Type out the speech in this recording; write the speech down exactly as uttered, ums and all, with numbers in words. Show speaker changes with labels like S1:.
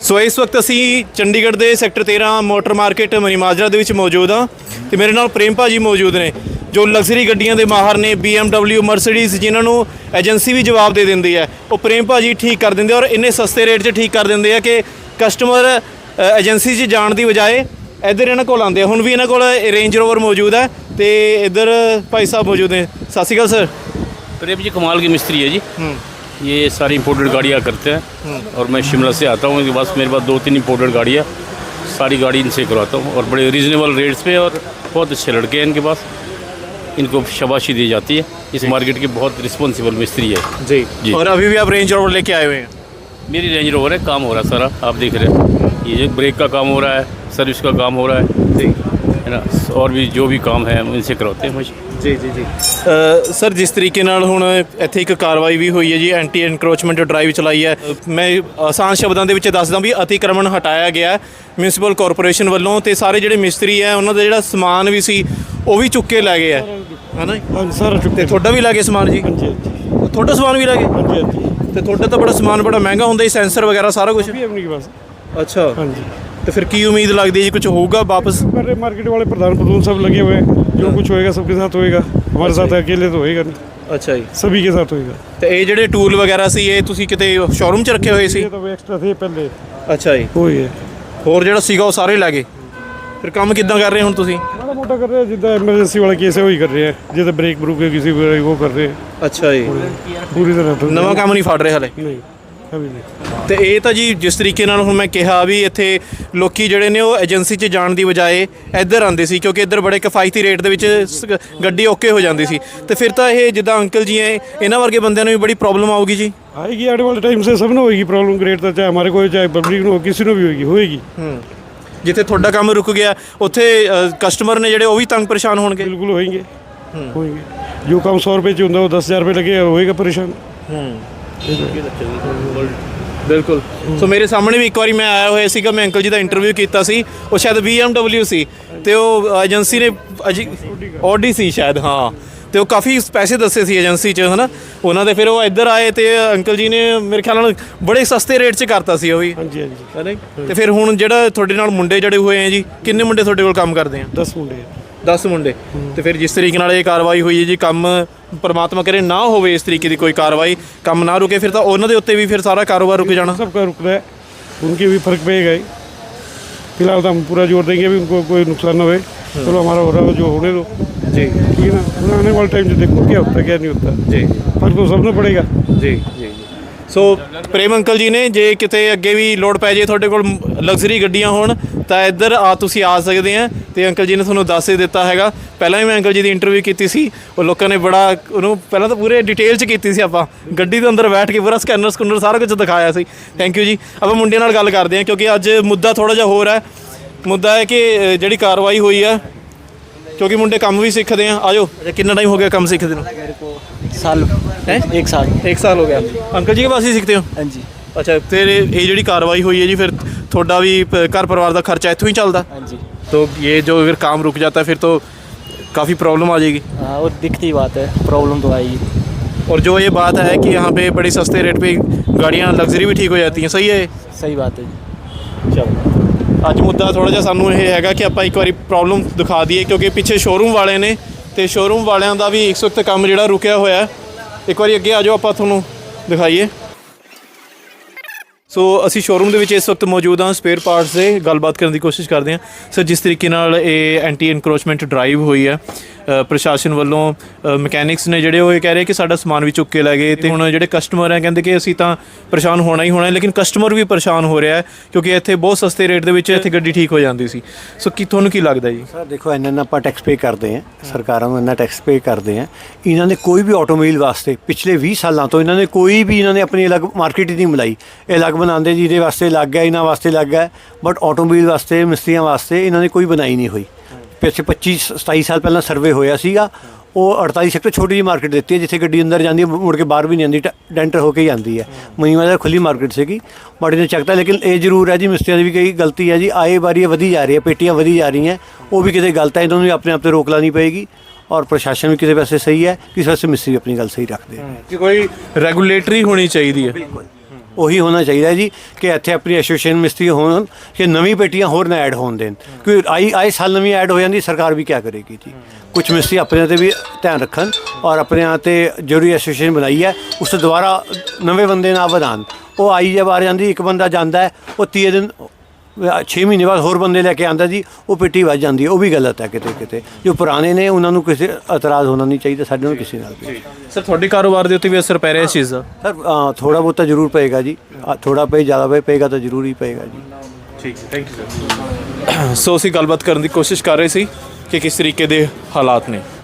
S1: ਸੋ ਇਸ ਵਕਤ ਅਸੀਂ ਚੰਡੀਗੜ੍ਹ ਦੇ ਸੈਕਟਰ ਤੇਰਾਂ ਮੋਟਰ ਮਾਰਕੀਟ ਮਨੀ ਮਾਜਰਾ ਦੇ ਵਿੱਚ ਮੌਜੂਦ ਹਾਂ ਤੇ ਮੇਰੇ ਨਾਲ ਪ੍ਰੇਮ ਭਾਜੀ ਮੌਜੂਦ ਨੇ ਜੋ ਲਗਜ਼ਰੀ ਗੱਡੀਆਂ ਦੇ ਮਾਹਰ ਨੇ। ਬੀ ਐਮ ਡਬਲਿਊ ਮਰਸੀਡੀਜ਼ ਜਿਨ੍ਹਾਂ ਨੂੰ ਏਜੰਸੀ ਵੀ ਜਵਾਬ ਦੇ ਦਿੰਦੀ ਹੈ, ਉਹ ਪ੍ਰੇਮ ਭਾਜੀ ਠੀਕ ਕਰ ਦਿੰਦੇ ਔਰ ਇੰਨੇ ਸਸਤੇ ਰੇਟ 'ਚ ਠੀਕ ਕਰ ਦਿੰਦੇ ਆ ਕਿ ਕਸਟਮਰ ਏਜੰਸੀ 'ਚ ਜਾਣ ਦੀ ਬਜਾਏ ਇੱਧਰ ਇਹਨਾਂ ਕੋਲ ਆਉਂਦੇ ਆ। ਹੁਣ ਵੀ ਇਹਨਾਂ ਕੋਲ ਰੇਂਜ ਰੋਵਰ ਮੌਜੂਦ ਹੈ ਤੇ ਇੱਧਰ ਭਾਈ ਸਾਹਿਬ ਮੌਜੂਦ ਨੇ। ਸਤਿ ਸ਼੍ਰੀ ਅਕਾਲ ਸਰ।
S2: प्रेम जी कमाल की मिस्त्री है जी। ये सारी इम्पोर्टेड गाड़ियाँ करते हैं और मैं शिमला से आता हूँ। इनके पास मेरे पास दो तीन इम्पोर्टेड गाड़ियाँ, सारी गाड़ी इनसे करवाता हूँ और बड़े रीज़नेबल रेट्स पे और बहुत अच्छे लड़के हैं इनके पास। इनको शाबाशी दी जाती है। इस मार्केट की बहुत रिस्पॉन्सिबल मिस्त्री है
S1: जी
S2: जी।
S1: और अभी भी आप रेंज रोवर लेके आए हुए हैं?
S2: मेरी रेंज रोवर है, काम हो रहा है सारा, आप देख रहे हैं। ये ब्रेक का काम हो रहा है, सर्विस का काम हो रहा है जी, है ना। और भी जो भी काम है इनसे करवाते हैं मुझे
S1: ਜੀ ਜੀ ਜੀ ਸਰ, ਜਿਸ ਤਰੀਕੇ ਨਾਲ ਹੁਣ ਇੱਥੇ ਇੱਕ ਕਾਰਵਾਈ ਵੀ ਹੋਈ ਹੈ ਜੀ, ਐਂਟੀ ਐਨਕਰੋਚਮੈਂਟ ਡਰਾਈਵ ਚਲਾਈ ਹੈ। ਮੈਂ ਆਸਾਨ ਸ਼ਬਦਾਂ ਦੇ ਵਿੱਚ ਦੱਸਦਾ ਵੀ ਅਤੀਕ੍ਰਮਣ ਹਟਾਇਆ ਗਿਆ ਮਿਊਨਿਸਪਲ ਕਾਰਪੋਰੇਸ਼ਨ ਵੱਲੋਂ ਤੇ ਸਾਰੇ ਜਿਹੜੇ ਮਿਸਤਰੀ ਹੈ ਉਹਨਾਂ ਦਾ ਜਿਹੜਾ ਸਮਾਨ ਵੀ ਸੀ ਉਹ ਵੀ ਚੁੱਕ ਕੇ ਲੈ ਗਏ ਹੈ, ਹੈ ਨਾ।
S3: ਹਾਂਜੀ ਸਾਰਾ ਚੁੱਕ
S1: ਤੇ ਤੁਹਾਡਾ ਵੀ ਲੈ ਗਏ ਸਮਾਨ ਜੀ?
S3: ਹਾਂਜੀ ਹਾਂਜੀ
S1: ਤੁਹਾਡਾ ਸਮਾਨ ਵੀ ਲੈ ਗਏ?
S3: ਹਾਂਜੀ ਹਾਂਜੀ
S1: ਤੇ ਤੁਹਾਡਾ ਤਾਂ ਬੜਾ ਸਮਾਨ ਬੜਾ ਮਹਿੰਗਾ ਹੁੰਦਾ ਜੀ, ਸੈਂਸਰ ਵਗੈਰਾ ਸਾਰਾ ਕੁਝ।
S3: ਵੀ ਆਪਣੀ ਬਸ।
S1: ਅੱਛਾ,
S3: ਹਾਂਜੀ
S1: तो फिर की उम्मीद लगती है जी कुछ होगा वापस?
S3: पर मार्केट वाले प्रधान प्रधान सब लगे हुए हैं, जो कुछ होएगा सबके साथ होएगा, हमारे साथ अकेले तो होएगा नहीं।
S1: अच्छा जी,
S3: सभी के साथ होएगा।
S1: ਤੇ ਇਹ ਜਿਹੜੇ ਟੂਲ ਵਗੈਰਾ ਸੀ ਇਹ ਤੁਸੀਂ ਕਿਤੇ ਸ਼ੋਰੂਮ 'ਚ ਰੱਖੇ ਹੋਏ ਸੀ?
S3: ये तो एक्स्ट्रा थे पहले।
S1: ਅੱਛਾ ਜੀ,
S3: वही है।
S1: ਹੋਰ ਜਿਹੜਾ ਸੀਗਾ ਉਹ ਸਾਰੇ ਲੈ ਗਏ। ਫਿਰ ਕੰਮ ਕਿੱਦਾਂ ਕਰ ਰਹੇ ਹੁਣ ਤੁਸੀਂ?
S3: माड़ा मोटा कर रहे हैं, जितना इमरजेंसी वाला केस है वही कर रहे हैं, जितना ब्रेक ब्रूक है किसी को वो कर रहे हैं
S1: ਅੱਛਾ ਜੀ,
S3: पूरी तरह तो
S1: ਨਵਾਂ ਕੰਮ ਨਹੀਂ ਫੜ ਰਹੇ ਹਲੇ?
S3: नहीं अभी नहीं।
S1: ਤੇ ਇਹ ਤਾਂ ਜੀ ਜਿਸ ਤਰੀਕੇ ਨਾਲ ਹੁਣ ਮੈਂ ਕਿਹਾ ਵੀ ਇੱਥੇ ਲੋਕੀ ਜਿਹੜੇ ਨੇ ਉਹ ਏਜੰਸੀ 'ਚ ਜਾਣ ਦੀ ਬਜਾਏ ਇੱਧਰ ਆਉਂਦੇ ਸੀ ਕਿਉਂਕਿ ਇੱਧਰ ਬੜੇ ਕਿਫਾਇਤੀ ਰੇਟ ਦੇ ਵਿੱਚ ਸ- ਗੱਡੀ ਓਕੇ ਹੋ ਜਾਂਦੀ ਸੀ। ਤੇ ਫਿਰ ਤਾਂ ਇਹ ਜਿੱਦਾਂ ਅੰਕਲ ਜੀ ਹੈ ਇਹਨਾਂ ਵਰਗੇ ਬੰਦਿਆਂ ਨੂੰ ਵੀ ਬੜੀ ਪ੍ਰੋਬਲਮ ਆਊਗੀ ਜੀ।
S3: आएगी आने वाले टाइम से सब ने होएगी प्रॉब्लम। ग्रेट तो चाहे हमारे को हो, चाहे पब्लिक में हो, किसी ने भी होएगी होएगी
S1: ਹੂੰ, ਜਿੱਥੇ ਤੁਹਾਡਾ ਕੰਮ ਰੁਕ ਗਿਆ ਉੱਥੇ ਕਸਟਮਰ ਨੇ ਜਿਹੜੇ ਉਹ ਵੀ ਤੰਗ ਪਰੇਸ਼ਾਨ ਹੋਣਗੇ।
S3: बिल्कुल होएंगे होएंगे। जो काम सौ रुपये च होंगे वो दस हज़ार रुपये लगे होएगा परेशान।
S1: ਬਿਲਕੁਲ। ਸੋ ਮੇਰੇ ਸਾਹਮਣੇ ਵੀ ਇੱਕ ਵਾਰੀ ਮੈਂ ਆਇਆ ਹੋਇਆ ਸੀਗਾ, ਮੈਂ ਅੰਕਲ ਜੀ ਦਾ ਇੰਟਰਵਿਊ ਕੀਤਾ ਸੀ, ਉਹ ਸ਼ਾਇਦ ਬੀ ਐਮ ਡਬਲਿਊ ਸੀ ਤੇ ਉਹ ਏਜੰਸੀ ਨੇ ਆਡੀ ਸੀ ਸ਼ਾਇਦ, ਹਾਂ। ਤੇ ਉਹ ਕਾਫੀ ਪੈਸੇ ਦੱਸੇ ਸੀ ਏਜੰਸੀ 'ਚ, ਹੈ ਨਾ ਉਹਨਾਂ ਦੇ। ਫਿਰ ਉਹ ਇੱਧਰ ਆਏ ਤੇ ਅੰਕਲ ਜੀ ਨੇ ਮੇਰੇ ਖਿਆਲ ਨਾਲ ਬੜੇ ਸਸਤੇ ਰੇਟ 'ਚ ਕਰਤਾ ਸੀ ਉਹ ਵੀ,
S3: हाँ जी हाँ जी।
S1: ਹੈ ਨਾ। ਤੇ ਫਿਰ ਹੁਣ ਜਿਹੜਾ ਤੁਹਾਡੇ ਨਾਲ ਮੁੰਡੇ ਜੜੇ ਹੋਏ ਆ ਜੀ, ਕਿੰਨੇ ਮੁੰਡੇ ਤੁਹਾਡੇ ਕੋਲ ਕੰਮ ਕਰਦੇ ਆ?
S3: दस मुंडे
S1: ਦਸ ਮੁੰਡੇ। ਤੇ ਫਿਰ ਜਿਸ ਤਰੀਕੇ ਨਾਲ ਇਹ ਕਾਰਵਾਈ ਹੋਈ ਹੈ ਜੀ, ਕੰਮ ਪਰਮਾਤਮਾ ਕਰੇ ਨਾ ਹੋਵੇ ਇਸ ਤਰੀਕੇ ਦੀ ਕੋਈ ਕਾਰਵਾਈ, ਕੰਮ ਨਾ ਰੁਕੇ, ਫਿਰ ਤਾਂ ਉਹਨਾਂ ਦੇ ਉੱਤੇ ਵੀ ਫਿਰ ਸਾਰਾ ਕਾਰੋਬਾਰ ਰੁਕ जाना।
S3: सबका रुक रहा है, उनके भी फर्क पड़ेगा ही। फिलहाल तो हम पूरा जोर देंगे भी उनको कोई नुकसान ना हो। चलो हमारा हो रहा है जो होने दो
S1: जी,
S3: ठीक है ना। आने वाले टाइम से देखो क्या होता है क्या नहीं होता।
S1: जी
S3: फर्क तो सबने पड़ेगा।
S1: ਜੀ ਜੀ। ਸੋ ਪ੍ਰੇਮ ਅੰਕਲ ਜੀ ਨੇ, ਜੇ ਕਿਤੇ ਅੱਗੇ ਵੀ ਲੋੜ ਪੈ ਜੇ ਤੁਹਾਡੇ ਕੋਲ ਲਗਜ਼ਰੀ ਗੱਡੀਆਂ ਹੋਣ ਤਾਂ ਇੱਧਰ ਆ ਤੁਸੀਂ ਆ ਸਕਦੇ ਆ। ਤੇ ਅੰਕਲ ਜੀ ਨੇ ਤੁਹਾਨੂੰ ਦੱਸ ਹੀ ਦਿੱਤਾ ਹੈਗਾ। ਪਹਿਲਾਂ ਵੀ ਮੈਂ ਅੰਕਲ ਜੀ ਦੀ ਇੰਟਰਵਿਊ ਕੀਤੀ ਸੀ, ਉਹ ਲੋਕਾਂ ਨੇ ਬੜਾ ਉਹਨੂੰ ਪਹਿਲਾਂ ਤਾਂ ਪੂਰੇ ਡਿਟੇਲ 'ਚ ਕੀਤੀ ਸੀ। ਆਪਾਂ ਗੱਡੀ ਦੇ ਅੰਦਰ ਬੈਠ ਕੇ ਪੂਰਾ ਸਕੈਨਰ ਸਕੂਨਰ ਸਾਰਾ ਕੁਝ ਦਿਖਾਇਆ ਸੀ। ਥੈਂਕ ਯੂ ਜੀ। ਆਪਾਂ ਮੁੰਡਿਆਂ ਨਾਲ ਗੱਲ ਕਰਦੇ ਹਾਂ ਕਿਉਂਕਿ ਅੱਜ ਮੁੱਦਾ ਥੋੜ੍ਹਾ ਜਿਹਾ ਹੋਰ ਹੈ। ਮੁੱਦਾ ਹੈ ਕਿ ਜਿਹੜੀ ਕਾਰਵਾਈ ਹੋਈ ਆ, ਕਿਉਂਕਿ ਮੁੰਡੇ ਕੰਮ ਵੀ ਸਿੱਖਦੇ ਆ। ਆਜੋ, ਕਿੰਨਾ ਟਾइम हो गया ਕੰਮ ਸਿੱਖਦੇ ਨੂੰ?
S4: साल
S1: है
S4: एक साल
S1: एक साल हो गया। अंकल जी के पास ही सीखते हो?
S4: हाँ जी
S1: अच्छा, फिर ये ਜਿਹੜੀ ਕਾਰਵਾਈ ਹੋਈ ਹੈ ਜੀ, ਫਿਰ ਤੁਹਾਡਾ ਵੀ ਪ- घर परिवार ਦਾ ਖਰਚਾ ਇੱਥੋਂ ਹੀ ਚੱਲਦਾ?
S4: हाँ जी।
S1: तो ये जो अगर काम रुक जाता है फिर तो काफ़ी प्रॉब्लम आ जाएगी।
S4: हाँ, और दिखती बात है, प्रॉब्लम तो आएगी।
S1: और जो ये बात है कि यहाँ पे बड़े सस्ते रेट पे गाड़ियाँ लग्जरी भी ठीक हो जाती हैं, सही है?
S4: सही बात है जी।
S1: चलो, ਅੱਜ ਮੁੱਦਾ ਥੋੜ੍ਹਾ ਜਿਹਾ ਸਾਨੂੰ ਇਹ ਹੈਗਾ ਕਿ ਆਪਾਂ ਇੱਕ ਵਾਰੀ ਪ੍ਰੋਬਲਮ ਦਿਖਾ ਦਈਏ ਕਿਉਂਕਿ ਪਿੱਛੇ ਸ਼ੋਰੂਮ ਵਾਲੇ ਨੇ ਤੇ ਸ਼ੋਰੂਮ ਵਾਲਿਆਂ ਦਾ ਵੀ ਇਸ ਵਕਤ ਕੰਮ ਜਿਹੜਾ ਰੁਕਿਆ ਹੋਇਆ। ਇੱਕ ਵਾਰੀ ਅੱਗੇ ਆ ਜਾਓ, ਆਪਾਂ ਤੁਹਾਨੂੰ ਦਿਖਾਈਏ। ਸੋ ਅਸੀਂ ਸ਼ੋਰੂਮ ਦੇ ਵਿੱਚ ਇਸ ਵਕਤ ਮੌਜੂਦ ਹਾਂ। ਸਪੇਅਰ ਪਾਰਟਸ ਦੇ ਗੱਲਬਾਤ ਕਰਨ ਦੀ ਕੋਸ਼ਿਸ਼ ਕਰਦੇ ਹਾਂ। ਸਰ, ਜਿਸ ਤਰੀਕੇ ਨਾਲ ਇਹ ਐਂਟੀ ਇਨਕਰੋਚਮੈਂਟ ਡਰਾਈਵ ਹੋਈ ਹੈ ਪ੍ਰਸ਼ਾਸਨ ਵੱਲੋਂ, ਮਕੈਨਿਕਸ ਨੇ ਜਿਹੜੇ ਉਹ ਇਹ ਕਹਿ ਰਹੇ ਕਿ ਸਾਡਾ ਸਮਾਨ ਵੀ ਚੁੱਕ ਕੇ ਲੈ ਗਏ ਤੇ ਹੁਣ ਜਿਹੜੇ ਕਸਟਮਰ ਹੈ ਕਹਿੰਦੇ ਕਿ ਅਸੀਂ ਤਾਂ ਪਰੇਸ਼ਾਨ ਹੋਣਾ ਹੀ ਹੋਣਾ, ਲੇਕਿਨ ਕਸਟਮਰ ਵੀ ਪਰੇਸ਼ਾਨ ਹੋ ਰਿਹਾ ਹੈ ਕਿਉਂਕਿ ਇੱਥੇ ਬਹੁਤ ਸਸਤੇ ਰੇਟ ਦੇ ਵਿੱਚ ਇੱਥੇ ਗੱਡੀ ਠੀਕ ਹੋ ਜਾਂਦੀ ਸੀ। ਸੋ ਕੀ ਤੁਹਾਨੂੰ ਕੀ ਲੱਗਦਾ ਜੀ?
S5: ਸਰ ਦੇਖੋ, ਇਹਨਾਂ ਨਾਲ ਆਪਾਂ ਟੈਕਸ ਪੇ ਕਰਦੇ ਹਾਂ, ਸਰਕਾਰਾਂ ਨੂੰ ਇੰਨਾ ਟੈਕਸ ਪੇ ਕਰਦੇ ਹਾਂ। ਇਹਨਾਂ ਨੇ ਕੋਈ ਵੀ ਆਟੋਮੋਬਾਈਲ ਵਾਸਤੇ ਪਿਛਲੇ ਵੀਹ ਸਾਲਾਂ ਤੋਂ ਇਹਨਾਂ ਨੇ ਕੋਈ ਵੀ ਇਹਨਾਂ ਨੇ ਆਪਣੀ ਅਲੱਗ ਮਾਰਕੀਟ ਹੀ ਨਹੀਂ ਬਣਾਈ। ਇਹ ਅਲੱਗ ਬਣਾਉਂਦੇ ਜਿਹਦੇ ਵਾਸਤੇ ਲੱਗ ਗਿਆ, ਇਹਨਾਂ ਵਾਸਤੇ ਲੱਗ ਗਿਆ, ਬਟ ਆਟੋਮੋਬਾਈਲ ਵਾਸਤੇ, ਮਿਸਤਰੀਆਂ ਵਾਸਤੇ ਇਹਨਾਂ ਨੇ ਕੋਈ ਬਣਾਈ ਨਹੀਂ ਹੋਈ। ਪਿੱਛੇ ਪੱਚੀ ਸਤਾਈ ਸਾਲ ਪਹਿਲਾਂ ਸਰਵੇ ਹੋਇਆ ਸੀਗਾ, ਉਹ ਅੜਤਾਲੀ ਸੈਕਟਰ ਛੋਟੀ ਜਿਹੀ ਮਾਰਕੀਟ ਦਿੱਤੀ ਹੈ ਜਿੱਥੇ ਗੱਡੀ ਅੰਦਰ ਜਾਂਦੀ ਹੈ, ਮੁੜ ਕੇ ਬਾਹਰ ਵੀ ਨਹੀਂ ਆਉਂਦੀ, ਡੈਂਟਰ ਹੋ ਕੇ ਹੀ ਆਉਂਦੀ ਹੈ। ਮਹੀਨਾ ਦਾ ਖੁੱਲੀ ਮਾਰਕੀਟ ਸੀਗੀ, ਬਟ ਇਹਨੇ ਚੱਕਤਾ। ਲੇਕਿਨ ਇਹ ਜ਼ਰੂਰ ਹੈ ਜੀ, ਮਿਸਤਰੀਆਂ ਦੀ ਵੀ ਕਈ ਗਲਤੀ ਹੈ ਜੀ। ਆਏ ਵਾਰੀ ਵਧੀ ਜਾ ਰਹੀ ਹੈ, ਪੇਟੀਆਂ ਵਧੀ ਜਾ ਰਹੀਆਂ, ਉਹ ਵੀ ਕਿਤੇ ਗਲਤ ਹੈ। ਇਹਨਾਂ ਨੂੰ ਵੀ ਆਪਣੇ ਆਪ 'ਤੇ ਰੋਕ ਲਾਉਣੀ ਪਏਗੀ ਔਰ ਪ੍ਰਸ਼ਾਸਨ ਵੀ ਕਿਸੇ ਪਾਸੇ ਸਹੀ ਹੈ, ਕਿਸੇ ਪਾਸੇ ਮਿਸਤਰੀ ਆਪਣੀ ਗੱਲ ਸਹੀ ਰੱਖਦੇ।
S1: ਕਿ ਕੋਈ ਰੈਗੂਲੇਟਰੀ ਹੋਣੀ ਚਾਹੀਦੀ ਹੈ।
S5: ਉਹੀ ਹੋਣਾ ਚਾਹੀਦਾ ਜੀ ਕਿ ਇੱਥੇ ਆਪਣੀ ਐਸੋਸੀਏਸ਼ਨ ਮਿਸਤਰੀ ਹੋਣ ਕਿ ਨਵੀਂ ਪੇਟੀਆਂ ਹੋਰ ਨਾ ਐਡ ਹੋਣ ਦੇਣ, ਕਿਉਂਕਿ ਆਈ ਆਏ ਸਾਲ ਨਵੀਂ ਐਡ ਹੋ ਜਾਂਦੀ, ਸਰਕਾਰ ਵੀ ਕੀ ਕਰੇਗੀ ਜੀ। ਕੁਝ ਮਿਸਤਰੀ ਆਪਣੇ 'ਤੇ ਵੀ ਧਿਆਨ ਰੱਖਣ ਔਰ ਆਪਣੇ 'ਤੇ ਜਿਹੜੀ ਐਸੋਸੀਏਸ਼ਨ ਬਣਾਈ ਹੈ ਉਸ ਤੋਂ ਦੁਬਾਰਾ ਨਵੇਂ ਬੰਦੇ ਨਾ ਵਧਾਉਣ। ਉਹ ਆਈ ਜੇ ਬਾਹਰ ਜਾਂਦੀ, ਇੱਕ ਬੰਦਾ ਜਾਂਦਾ ਹੈ, ਉਹ ਤੀਏ ਦਿਨ ਛੇ ਮਹੀਨੇ ਬਾਅਦ ਹੋਰ ਬੰਦੇ ਲੈ ਕੇ ਆਉਂਦਾ ਜੀ, ਉਹ ਪੇਟੀ ਵੱਜ ਜਾਂਦੀ ਹੈ। ਉਹ ਵੀ ਗਲਤ ਹੈ ਕਿਤੇ ਕਿਤੇ। ਜੋ ਪੁਰਾਣੇ ਨੇ ਉਹਨਾਂ ਨੂੰ ਕਿਸੇ ਇਤਰਾਜ਼ ਹੋਣਾ ਨਹੀਂ ਚਾਹੀਦਾ, ਸਾਡੇ ਨੂੰ ਕਿਸੇ ਨਾਲ ਵੀ।
S1: ਸਰ ਤੁਹਾਡੇ ਕਾਰੋਬਾਰ ਦੇ ਉੱਤੇ ਵੀ ਅਸਰ ਪੈ ਰਿਹਾ ਇਸ ਚੀਜ਼ ਦਾ?
S5: ਸਰ ਥੋੜਾ ਬਹੁਤਾ ਜ਼ਰੂਰ ਪਏਗਾ ਜੀ, ਥੋੜਾ ਪਏ ਜ਼ਿਆਦਾ ਪਏ ਪਏਗਾ ਤਾਂ ਜ਼ਰੂਰ ਹੀ ਪਏਗਾ ਜੀ।
S1: ਠੀਕ ਹੈ, ਥੈਂਕ ਯੂ ਸਰ। ਸੋ ਅਸੀਂ ਗੱਲਬਾਤ ਕਰਨ ਦੀ ਕੋਸ਼ਿਸ਼ ਕਰ ਰਹੇ ਸੀ ਕਿ ਕਿਸ ਤਰੀਕੇ ਦੇ ਹਾਲਾਤ ਨੇ।